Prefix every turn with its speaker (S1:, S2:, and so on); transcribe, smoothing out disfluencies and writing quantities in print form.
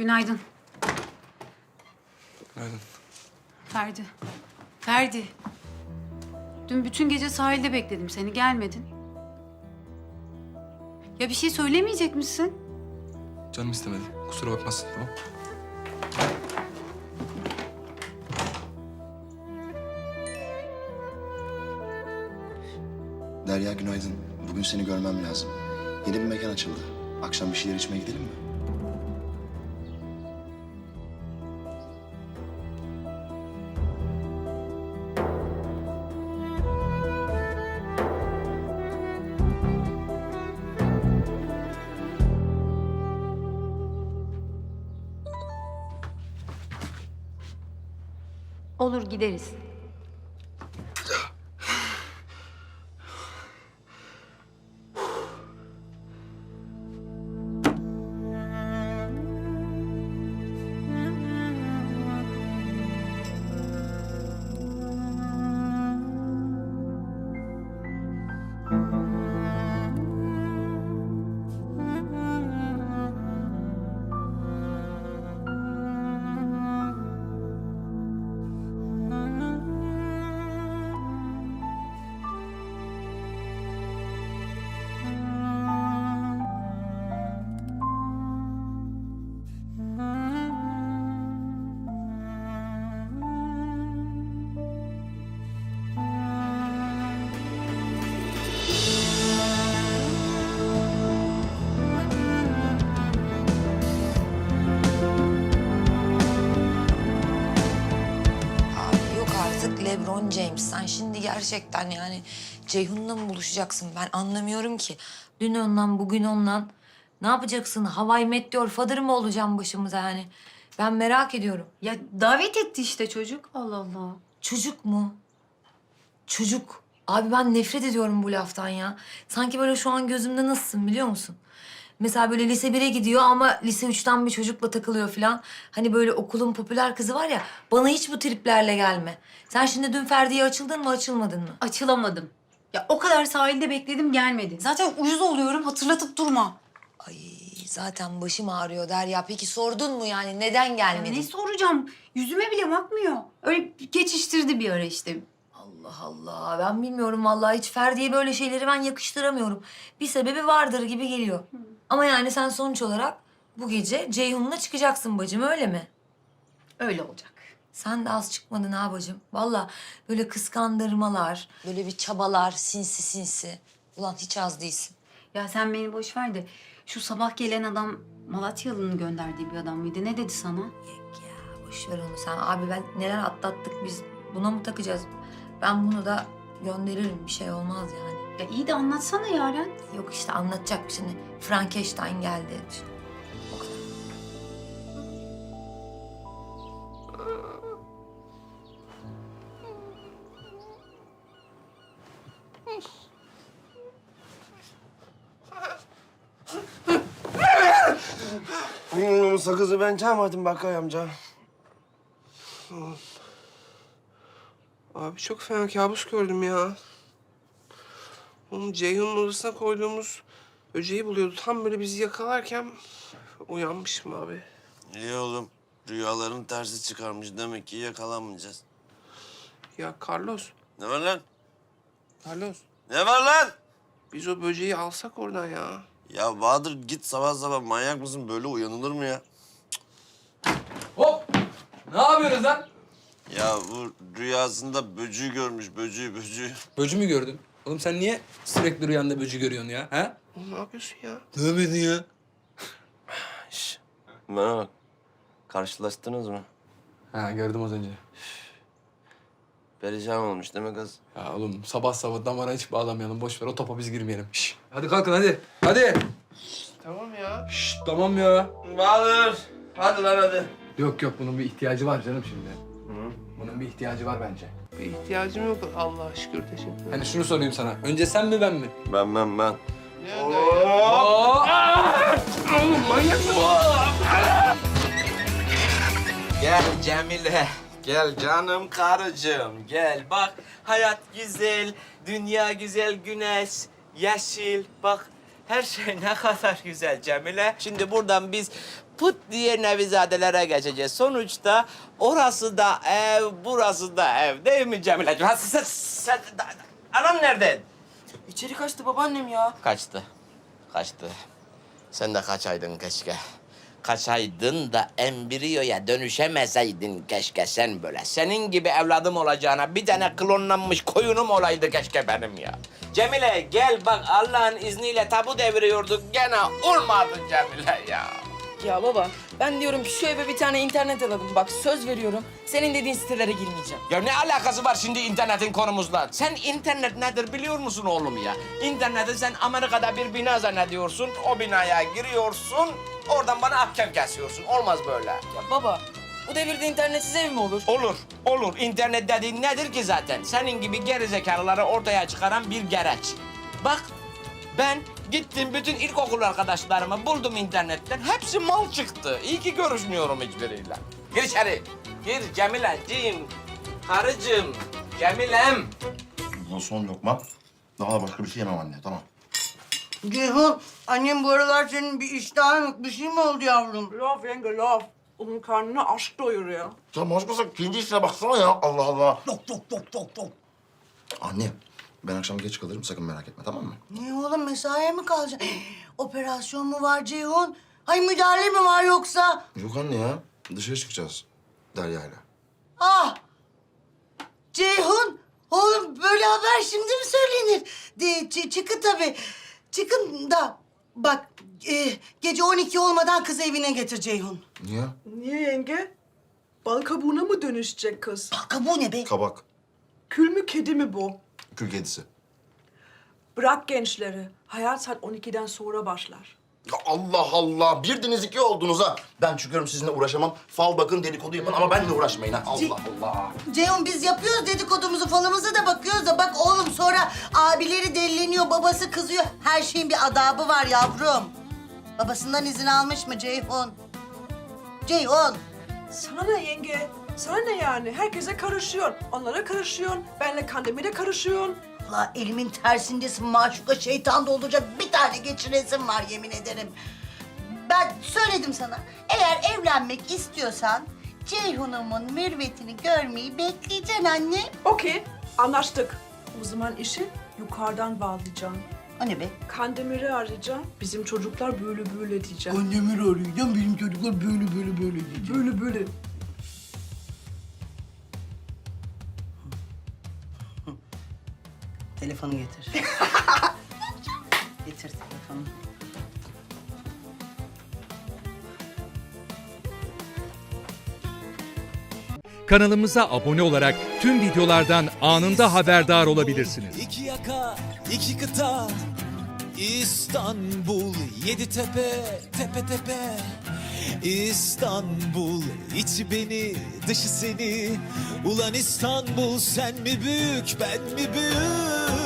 S1: Günaydın.
S2: Günaydın.
S1: Ferdi. Ferdi. Dün bütün gece sahilde bekledim seni, gelmedin. Ya bir şey söylemeyecek misin?
S2: Canım istemedi. Kusura bakmazsın, tamam?
S3: Derya günaydın. Bugün seni görmem lazım. Yeni bir mekan açıldı. Akşam bir şeyler içmeye gidelim mi?
S1: Olur, gideriz.
S4: Abi yok artık LeBron James. Sen şimdi gerçekten yani Ceyhun'la mı buluşacaksın? Ben anlamıyorum ki. Dün ondan, bugün ondan. Ne yapacaksın? Hawaii Meteor Father mı olacağım başımıza yani? Ben merak ediyorum.
S1: Ya davet etti işte çocuk. Allah Allah.
S4: Çocuk mu? Çocuk. Abi ben nefret ediyorum bu laftan ya. Sanki böyle şu an gözümde nasılsın biliyor musun? Mesela böyle lise 1'e gidiyor ama lise 3'ten bir çocukla takılıyor falan. Hani böyle okulun popüler kızı var ya, bana hiç bu triplerle gelme. Sen şimdi dün Ferdi'ye açıldın mı, açılmadın mı?
S1: Açılamadım. Ya o kadar sahilde bekledim, gelmedi. Zaten uyuz oluyorum, hatırlatıp durma.
S4: Ay zaten başım ağrıyor Derya. Peki sordun mu yani neden
S1: Ya
S4: gelmedin?
S1: ne soracağım? Yüzüme bile bakmıyor. Öyle geçiştirdi bir ara işte.
S4: Allah Allah, ben bilmiyorum vallahi, hiç Ferdi'ye böyle şeyleri ben yakıştıramıyorum. Bir sebebi vardır gibi geliyor. Ama yani sen sonuç olarak bu gece Ceyhun'la çıkacaksın bacım, öyle mi?
S1: Öyle olacak.
S4: Sen de az çıkmadın ha bacım. Vallahi böyle kıskandırmalar, böyle bir çabalar, sinsi sinsi. Ulan hiç az değilsin.
S1: Ya sen beni boş ver de şu sabah gelen adam Malatyalı'nın gönderdiği bir adam mıydı? Ne dedi sana?
S4: Yok ya, boş ver onu sen. Abi ben neler atlattık biz. Buna mı takacağız? Ben bunu da gönderirim, bir şey olmaz yani.
S1: Ya iyi de anlatsana Yaren.
S4: Yok işte anlatacak bir şimdi. Frankenstein geldi. İşte. O kadar.
S5: Sakızı ben çalmadım Bakay amca.
S6: Abi çok fena kabus gördüm ya. Onun Ceyhun'un odasına koyduğumuz böceği buluyordu. Tam böyle bizi yakalarken uyanmışım abi.
S5: İyi oğlum. Rüyaların tersi çıkarmış. Demek ki yakalanmayacağız.
S6: Ya Carlos,
S5: Ne var lan?
S6: Carlos.
S5: Ne var lan?
S6: Biz o böceği alsak oradan ya.
S5: Ya Bahadır git sabah sabah, manyak mısın? Böyle uyanılır mı ya?
S2: Hop! Ne yapıyoruz lan?
S5: Ya bu rüyasında böcüğü görmüş. Böcüğü.
S2: Böcü mü gördün? Oğlum sen niye sürekli rüyanda böcü görüyorsun ya? Ha?
S6: Oğlum ne yapıyorsun ya?
S5: Ne yapıyorsun ya? Şş. Bana bak. Karşılaştınız mı?
S2: Ha gördüm az önce.
S5: Perişan olmuş değil mi kız?
S2: Ya oğlum sabah sabah damara hiç bağlamayalım. Boş ver, o topa biz girmeyelim. Şş. Hadi kalkın hadi. Hadi.
S6: Tamam ya.
S2: Şşt tamam ya.
S5: Bahadır. Hadi lan hadi.
S2: Yok yok, bunun bir ihtiyacı var canım şimdi. Bunun bir ihtiyacı var bence.
S6: Bir ihtiyacım yok Allah'a şükür, teşekkür ederim.
S2: Hani şunu sorayım sana. Önce sen mi ben mi?
S5: Ben.
S6: Ne
S7: Gel Cemile, gel canım karıcığım, gel bak hayat güzel, dünya güzel, güneş, yeşil, bak her şey ne kadar güzel Cemile. Şimdi buradan biz pıt diye Nevizadelere geçeceğiz. Sonuçta orası da ev, burası da ev. Değil mi Cemile'ciğim? Ha, anam nerede?
S8: İçeri kaçtı babaannem ya.
S7: Kaçtı. Sen de kaçaydın keşke. Kaçaydın da embriyoya dönüşemeseydin keşke sen böyle. Senin gibi evladım olacağına bir tane klonlanmış koyunum olaydı keşke benim ya. Cemile gel bak Allah'ın izniyle tabu deviriyorduk gene olmadı Cemile ya.
S8: Ya baba ben diyorum ki şu eve bir tane internet alalım. Bak söz veriyorum senin dediğin sitelere girmeyeceğim.
S7: Ya ne alakası var şimdi internetin konumuzla? Sen internet nedir biliyor musun oğlum ya? İnterneti sen Amerika'da bir bina zannediyorsun, o binaya giriyorsun, oradan bana ahkam kesiyorsun. Olmaz böyle.
S8: Ya baba bu devirde internetsiz ev mi olur?
S7: Olur. İnternet dediğin nedir ki zaten? Senin gibi gerizekalıları ortaya çıkaran bir gereç. Bak, ben gittim bütün ilkokul arkadaşlarımı buldum internetten. Hepsi mal çıktı. İyi ki görüşmüyorum hiçbiriyle. Gir içeri. Gir Cemileciğim, karıcığım, Cemilem.
S3: Bu son lokma. Daha başka bir şey yemem anne, tamam.
S9: Ceyhun, annem bu aralar senin bir iştahın yok. Bir şey mi oldu yavrum?
S10: Laf yenge laf. Onun karnını aşk doyuruyor.
S3: Sen başkası kendi işine baksana ya, Allah Allah.
S9: Yok.
S3: Anne, ben akşam geç kalırım, sakın merak etme, tamam mı?
S9: Niye oğlum, mesaiye mi kalacaksın? Operasyon mu var Ceyhun? Ay müdahale mi var yoksa?
S3: Yok anne ya, dışarı çıkacağız Derya'yla.
S9: Ah! Ceyhun, oğlum böyle haber şimdi mi söylenir? Çıkın tabii. Çıkın da bak gece 12 olmadan kızı evine getir Ceyhun.
S3: Niye?
S10: Niye yenge? Bal kabuğuna mı dönüşecek kız?
S9: Bak bu ne be?
S3: Kabak,
S10: Kül mü kedi mi bu?
S3: kül kedisi.
S10: Bırak gençleri. Hayat saat 12'den sonra başlar.
S3: Ya Allah Allah, birdiniz iki oldunuz ha. Ben çıkıyorum, sizinle uğraşamam. Fal bakın, dedikodu yapın ama benimle uğraşmayın ha. Allah Allah.
S9: Ceyhun biz yapıyoruz dedikodumuzu falımızı da bakıyoruz da bak oğlum sonra abileri delleniyor, babası kızıyor. Her şeyin bir adabı var yavrum. Babasından izin almış mı Ceyhun? Ceyhun.
S10: Sana ne yenge? Sana ne yani? Herkese karışıyorsun. Onlara karışıyorsun. Benle Kandemir'e karışıyorsun.
S9: La elimin tersindesin maşuka, şeytan dolduracak bir tane geçiresim var yemin ederim. Ben söyledim sana, eğer evlenmek istiyorsan Ceyhun'umun mürvetini görmeyi bekleyeceksin anne.
S10: Okey, anlaştık. O zaman işi yukarıdan bağlayacağım.
S9: O ne be?
S10: Kandemir'i arayacağım. Bizim çocuklar böyle diyeceğim.
S9: Annemi arayacağım, benim çocuklar böyle diyecek.
S10: Böyle.
S9: Telefonu getir. Getir telefonu.
S11: Kanalımıza abone olarak tüm videolardan anında haberdar olabilirsiniz.
S12: İki yaka, iki kıta, İstanbul, yedi tepe, tepe tepe. İstanbul, içi beni, dışı seni. Ulan İstanbul, sen mi büyük, ben mi büyük?